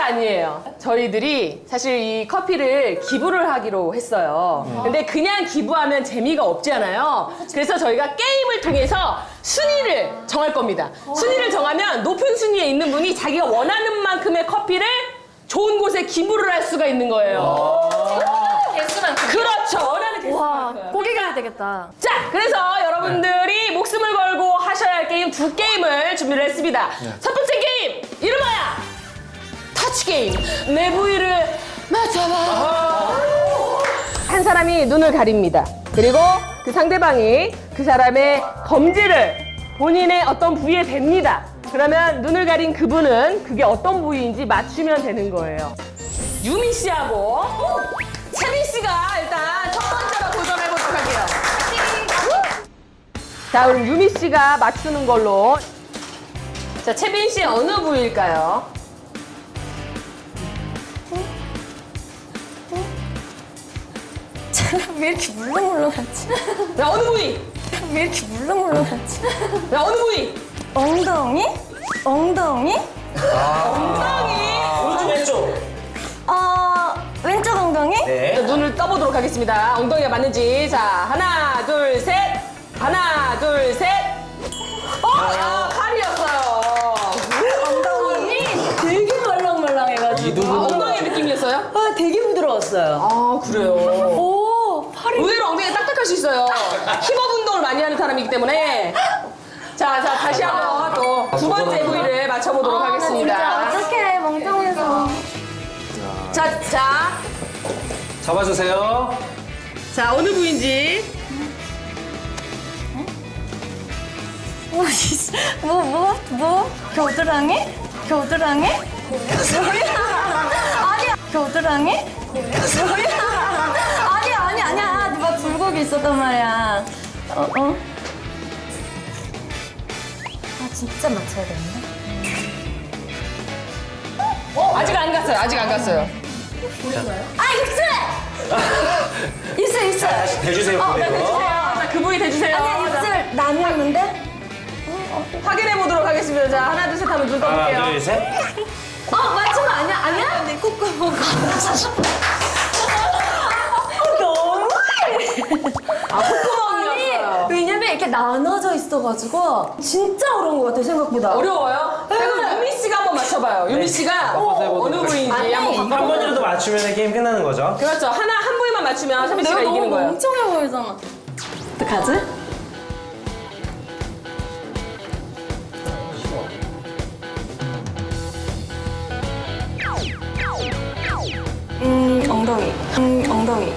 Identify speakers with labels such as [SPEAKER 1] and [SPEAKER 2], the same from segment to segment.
[SPEAKER 1] 아니에요. 저희들이 사실 이 커피를 기부를 하기로 했어요. 근데 그냥 기부하면 재미가 없잖아요. 그래서 저희가 게임을 통해서 순위를 정할 겁니다. 순위를 정하면 높은 순위에 있는 분이 자기가 원하는 만큼의 커피를 좋은 곳에 기부를 할 수가 있는 거예요.
[SPEAKER 2] 개수만큼.
[SPEAKER 1] 그렇죠. 원하는
[SPEAKER 2] 와,
[SPEAKER 1] 개수만큼.
[SPEAKER 2] 고기 가야 되겠다.
[SPEAKER 1] 자, 그래서 여러분들이 목숨을 걸고 하셔야 할 게임 두 게임을 준비를 했습니다. 첫 번째 게임, 이름 뭐야? 터치 게임. 내 부위를 맞춰봐. 한 사람이 눈을 가립니다. 그리고 그 상대방이 그 사람의 검지를 본인의 어떤 부위에 댑니다. 그러면 눈을 가린 그분은 그게 어떤 부위인지 맞추면 되는 거예요. 유미 씨하고 채민 씨가 일단 첫 번째로 도전해 보도록 할게요. 자, 그럼 유미 씨가 맞추는 걸로. 자, 채민 씨 어느 부위일까요?
[SPEAKER 2] 왜 이렇게 물렁물렁하지?
[SPEAKER 1] 자, 어느 부위?
[SPEAKER 2] 왜 이렇게 물렁물렁하지?
[SPEAKER 1] 자, 어느 부위?
[SPEAKER 2] 엉덩이? 엉덩이?
[SPEAKER 3] 오른쪽 왼쪽.
[SPEAKER 2] 왼쪽 엉덩이?
[SPEAKER 3] 네.
[SPEAKER 1] 자, 눈을 떠보도록 하겠습니다. 엉덩이가 맞는지. 자, 하나, 둘, 셋. 하나, 둘, 셋. 칼이었어요.
[SPEAKER 2] 엉덩이 되게 말랑말랑해가지고.
[SPEAKER 1] 엉덩이 느낌이었어요?
[SPEAKER 2] 되게 부드러웠어요.
[SPEAKER 1] 아, 그래요.
[SPEAKER 2] 오, 팔이.
[SPEAKER 1] 의외로 엉덩이가 딱딱할 수 있어요. 힙업 운동을 많이 하는 사람이기 때문에. 자, 다시 한번 또 두 번째 부위를 맞춰보도록 하겠습니다.
[SPEAKER 2] 어떡해, 멍청해서.
[SPEAKER 1] 자,
[SPEAKER 3] 잡아주세요.
[SPEAKER 1] 자, 어느 부위인지.
[SPEAKER 2] 뭐? 겨드랑이? 겨드랑이? 아니야. 겨드랑이? 아니야. 막 굴곡이 있었단 말이야. 진짜 맞춰야 되는데?
[SPEAKER 1] 아직 안 갔어요.
[SPEAKER 2] 입술!
[SPEAKER 3] 다시 대주세요. 그대로.
[SPEAKER 1] 자, 그 부위 대주세요.
[SPEAKER 2] 아니야, 입술 나뉘었는데?
[SPEAKER 1] 확인해 보도록 하겠습니다. 자, 하나, 둘, 셋 하면 눈 떠볼게요.
[SPEAKER 3] 하나, 둘, 셋.
[SPEAKER 2] 맞추면 아니야? 내 콧구멍. 너무
[SPEAKER 1] 콧구멍이었어요.
[SPEAKER 2] 왜냐면 이렇게 나눠져 있어가지고 진짜 어려운 것 같아요, 생각보다.
[SPEAKER 1] 어려워요? 그럼 유미 씨가 한번 맞춰봐요. 유미 씨가 어느 부위인지
[SPEAKER 2] 아니,
[SPEAKER 1] 한번
[SPEAKER 3] 한 번이라도 맞추면 게임 끝나는 거죠.
[SPEAKER 1] 그렇죠. 한 부위만 맞추면 샤미 씨가 이기는 거예요.
[SPEAKER 2] 멍청해 보이잖아. 어떡하지? 엉덩이. 엉덩이.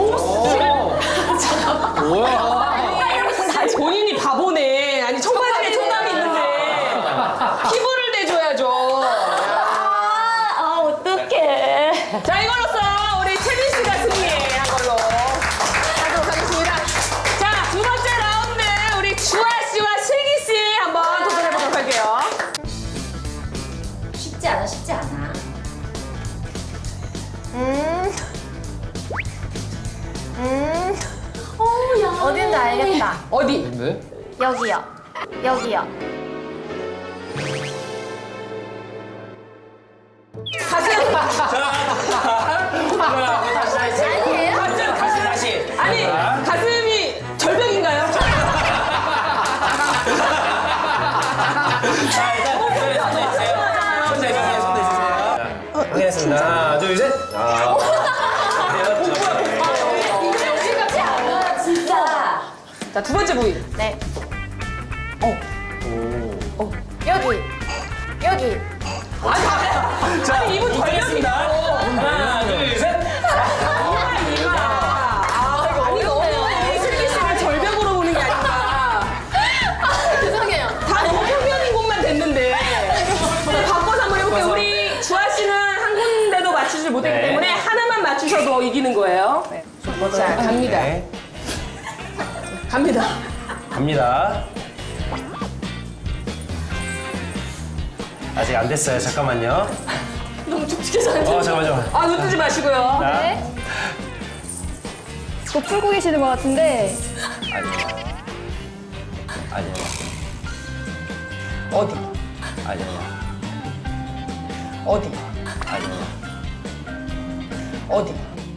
[SPEAKER 1] 아니, 본인이 바보네. 아니, 청바지에 청담이 있는데 피부를 대줘야죠.
[SPEAKER 2] 어떡해.
[SPEAKER 1] 자, 이걸로써 우리 채민 씨가 승리한 걸로 하도록 하겠습니다. 자, 두 번째 라운드 우리 주아 씨와 슬기 씨 한번 도전해 보도록 할게요.
[SPEAKER 2] 쉽지 않아. 어딘지 알겠다.
[SPEAKER 1] 어디?
[SPEAKER 2] 여기요.
[SPEAKER 1] 가슴.
[SPEAKER 2] 아니에요?
[SPEAKER 3] 다시.
[SPEAKER 1] 아니, 가슴이 절벽인가요?
[SPEAKER 3] 자, 일단 손 대주세요. 손 대주세요. 확인했습니다. 하나, 둘, 셋.
[SPEAKER 2] 쉽지 않아, 진짜.
[SPEAKER 1] 자, 두 번째 부위.
[SPEAKER 2] 네. 여기.
[SPEAKER 3] 자,
[SPEAKER 1] 아니, 이분
[SPEAKER 3] 하겠습니다. 하나, 둘, 셋.
[SPEAKER 1] 아니, 너무 슬기 씨를 절벽으로 보는 게 아닌가.
[SPEAKER 2] 죄송해요.
[SPEAKER 1] 다 너무 표면인 곳만 됐는데. 자, 바꿔서 한번 해볼게요. 우리 주아 씨는 한 군데도 맞추지 못했기
[SPEAKER 3] 네.
[SPEAKER 1] 때문에 하나만 맞추셔도 이기는 거예요. 자, 갑니다.
[SPEAKER 3] 네.
[SPEAKER 1] 갑니다.
[SPEAKER 3] 아직 안 됐어요. 잠깐만요.
[SPEAKER 1] 너무 촉촉해서 안 돼.
[SPEAKER 3] 잠깐만요.
[SPEAKER 1] 아, 눈 뜨지 마시고요.
[SPEAKER 3] 자,
[SPEAKER 2] 네. 뭐 풀고 계시는 것 같은데.
[SPEAKER 3] 아니에요.
[SPEAKER 1] 어디?
[SPEAKER 3] 아니에요.
[SPEAKER 1] 어디? 어디?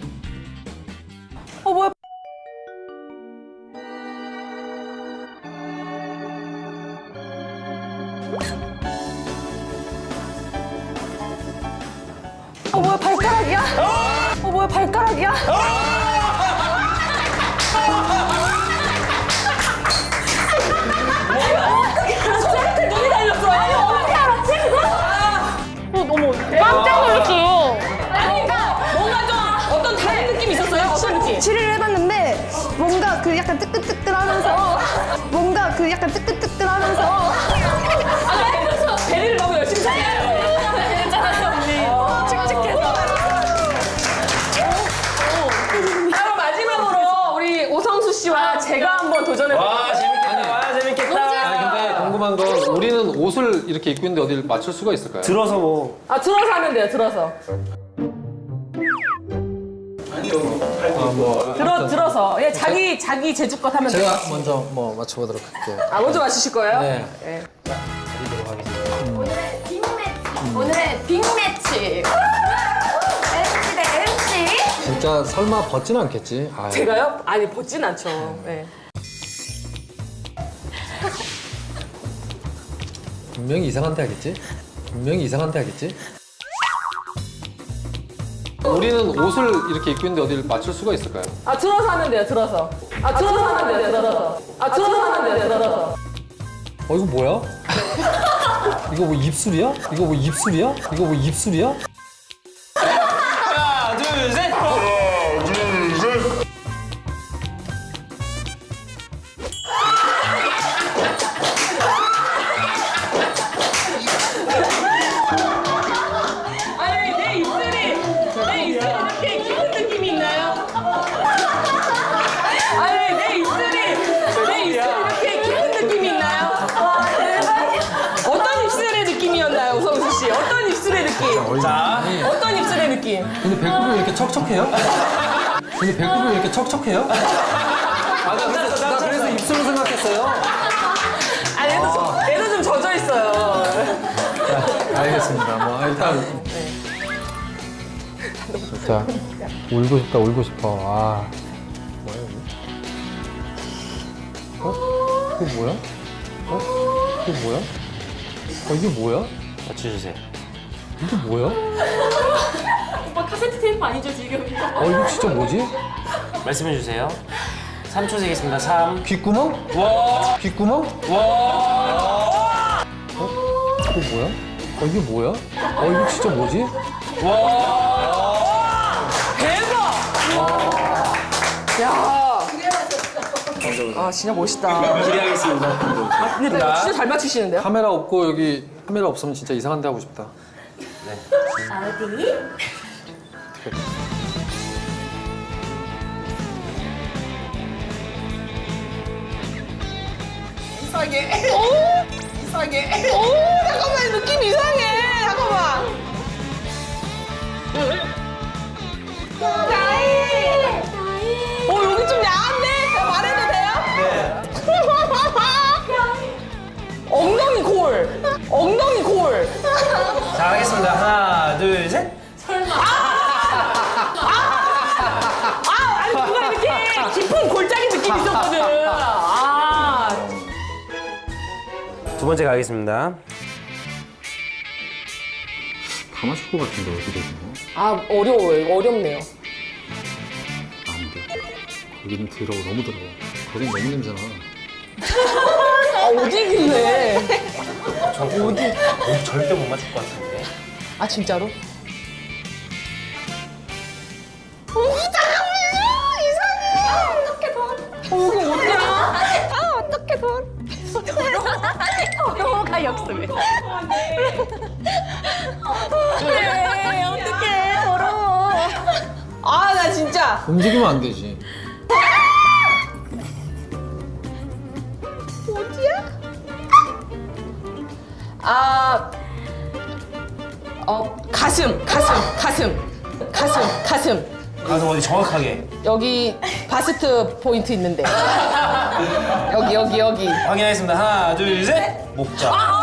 [SPEAKER 2] 뭐야? 뭐야, 발가락이야? 뭐야, 발가락이야?
[SPEAKER 1] 눈이 달렸어. 아니, 어떻게 알았지, 그거?
[SPEAKER 2] 너무
[SPEAKER 1] 깜짝 놀랐어요. 아니, 그러니까 뭔가 좀 어떤 다른 느낌이 있었어요? 어떤 느낌?
[SPEAKER 2] 치료를 해봤는데 뭔가 그 약간 뜨끈뜨끈하면서 뭔가 그 약간 뜨끈뜨끈하면서
[SPEAKER 1] 아, 그래서 배를 너무 열심히 쳤어요. 칙칙해서. 그럼 마지막으로 우리 오성수 씨와 제가 한번 도전해볼게요.
[SPEAKER 3] 와, 재밌겠다. 와, 재밌겠다.
[SPEAKER 4] 아니 근데 궁금한 건 우리는 옷을 이렇게 입고 있는데 어디를 맞출 수가 있을까요?
[SPEAKER 3] 들어서 뭐.
[SPEAKER 1] 아, 들어서 하면 돼요, 들어서. 들어서. 예, 자기 제주껏 하면 돼요.
[SPEAKER 4] 제가 먼저 뭐 맞춰보도록 할게요.
[SPEAKER 1] 아, 먼저 맞추실 거예요?
[SPEAKER 4] 네.
[SPEAKER 1] 예.
[SPEAKER 5] 오늘의 빅매치. 오늘의 빅매치. MC 대 MC.
[SPEAKER 4] 진짜 설마 벗진 않겠지? 아유.
[SPEAKER 1] 제가요? 아니, 벗진 않죠. 예.
[SPEAKER 4] 분명히 이상한 데 하겠지? 분명히 이상한 데 하겠지? 우리는 옷을 이렇게 입고 있는데 어디를 맞출 수가 있을까요?
[SPEAKER 1] 아, 들어서 하면 돼요, 들어서. 아, 들어서 하면 돼요, 들어서. 아, 들어서 하면 돼요, 들어서.
[SPEAKER 4] 이거 뭐야? 이거 뭐 입술이야? 이거 뭐 입술이야? 이거 뭐 입술이야?
[SPEAKER 3] 하나, 둘, 셋.
[SPEAKER 1] 아니, 내 입술이 이렇게 깊은 느낌이 있나요? 아니, 내 입술이 이렇게 깊은 느낌이 있나요? 어떤 입술의 느낌이었나요, 우성수 씨? 어떤 입술의 느낌?
[SPEAKER 3] 자,
[SPEAKER 1] 어떤 입술의 느낌?
[SPEAKER 4] 근데 배꼽이 왜 이렇게 척척해요? 근데 배꼽이 왜 이렇게 척척해요? 나 그래서 입술로 생각했어요.
[SPEAKER 1] 아, 얘도 좀 젖어 있어요.
[SPEAKER 4] 알겠습니다. 뭐 일단 자 울고 싶다 울고 싶어. 아 뭐야 이거? 이거 뭐야? 이거 뭐야? 이게 뭐야?
[SPEAKER 3] 맞춰주세요.
[SPEAKER 4] 이게 뭐야?
[SPEAKER 1] 오빠 카세트 테이프 아니죠, 지금?
[SPEAKER 4] 이거 진짜 뭐지?
[SPEAKER 3] 말씀해주세요. 3초 세겠습니다. 3.
[SPEAKER 4] 귓구멍?
[SPEAKER 3] 와.
[SPEAKER 4] 귓구멍?
[SPEAKER 3] 와.
[SPEAKER 4] 이거 뭐야? 이게 뭐야? 이거 진짜 뭐지?
[SPEAKER 1] 대박! 야. 아, 진짜 멋있다.
[SPEAKER 3] 기대하겠습니다.
[SPEAKER 1] 아, 근데 진짜 잘 맞추시는데요?
[SPEAKER 4] 카메라 없고 여기 카메라 없으면 진짜 이상한 데 하고 싶다.
[SPEAKER 5] 어디?
[SPEAKER 1] 이상해. 잠깐만, 느낌 이상해. 잠깐만. 여기 좀 야한데? 말해도 돼요? 네. 엉덩이 골.
[SPEAKER 3] 자, 하겠습니다. 하나, 둘, 셋.
[SPEAKER 1] 아니, 뭔가 이렇게 깊은 골짜기 느낌이 있었거든. 아.
[SPEAKER 3] 두 번째 가겠습니다.
[SPEAKER 4] 다 맞출 것 같은데 어디로 이거?
[SPEAKER 1] 아, 어려워요. 어렵네요.
[SPEAKER 4] 안 돼. 거기는 더러워 너무 더러워. 거긴 너무 냄새나.
[SPEAKER 1] 아, 어디길래.
[SPEAKER 3] 절대 못 맞출 것 같은데.
[SPEAKER 1] 아, 진짜로?
[SPEAKER 5] 영어가 역습.
[SPEAKER 1] 그래, 어떡해. 더러워. 아, 나 진짜.
[SPEAKER 4] 움직이면 안 되지.
[SPEAKER 1] 아, 가슴.
[SPEAKER 3] 가서 어디 정확하게
[SPEAKER 1] 여기 바스트 포인트 있는데. 여기.
[SPEAKER 3] 확인하겠습니다. 하나, 둘, 셋. 목자.